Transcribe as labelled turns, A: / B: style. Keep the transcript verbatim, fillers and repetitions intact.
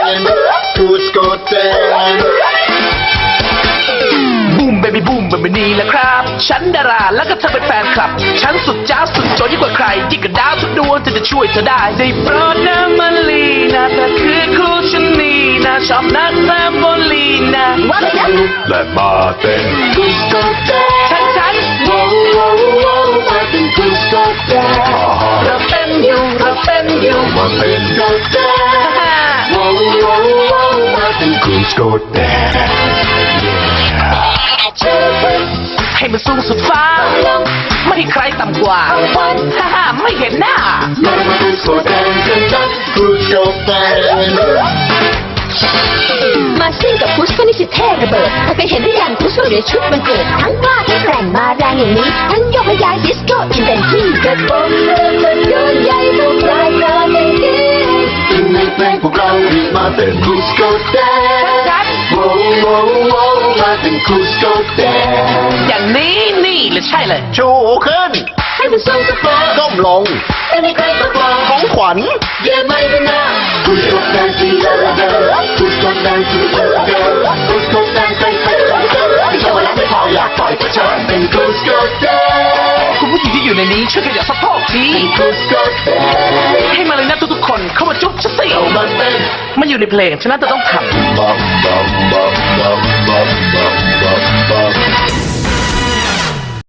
A: นคูสโกแดนบูมเบบี้บูมแบบนี้แหละครับฉันดาราแล้วก็เธอเป็นแฟนคลับฉันสุดจ้าสุดโจยิ่งกว่าใครยิ่งกับดาวทุกดวงจะจะช่วยเธอได้ได้โปรดนะมาลีนะเธอคือคู่ฉันนี่นะชอบนักแซมโบลีนะว่าไปนะและมาเต้นคูสโกแดนฉันฉันโว้โว้โว้มาเป็นคูสโกแดนเราเป็นอยู่เราเป็นอยู่มาเป็นโกแดนโว้โว้โว้มาเป็นคูสโกแดนให้มันสูงสุดฟ้าไม่ให้ใครต่ำกว่าฮ่าฮ่าไม่เห็นหน้าคูสโกแดนคูสโกแดน
B: มาซิ่งกับพุชก็นี่สิเท่ระเบิดถ้าเคยเห็นหรือยังพุชก็อยู่ในชุดมันเกิดทั้งกล้าทั้งแกร่งมาแรงอย่างนี้ทั้งโยกและย้ายดิสโก้อินเวนที่กระโปรงเดินรถยนต์ใหญ่ทุกรายการในที่
A: ถึงในเพลงพวกเรารีบมาเต้นคูสโกแดนโว้โว้โว้มาเต้นคูสโกแดนอย่างนี้นี่เลยใช่เลยชูขึ้น
B: ให้มันทรงสปอร์ต
A: ก้มลง
B: ไม่มีใครต้องกลัว
A: ของขวัญ
B: เยี่ยมไม่เป็นหน้า
A: คูสโกแดนซีเดอร์เดอร์คูสโกแดนซีเดอร์เดอร์คูสโกแดนใครใครใครใครไม่ใช่ว่ารักไม่พออยากปล่อยก็เชิญเป็นคูสโกแดนคุณผู้หญิงที่อยู่ในนี้ช่วยขยับสะโพกทีคูสโกแดนให้มาเลยนะทุกๆคนเข้ามาจุ๊บฉันสิเอามาเต้นมันอยู่ในเพลงฉะนั้นจะต้องทำบัมบัมบัมบัมบัมบัมบัม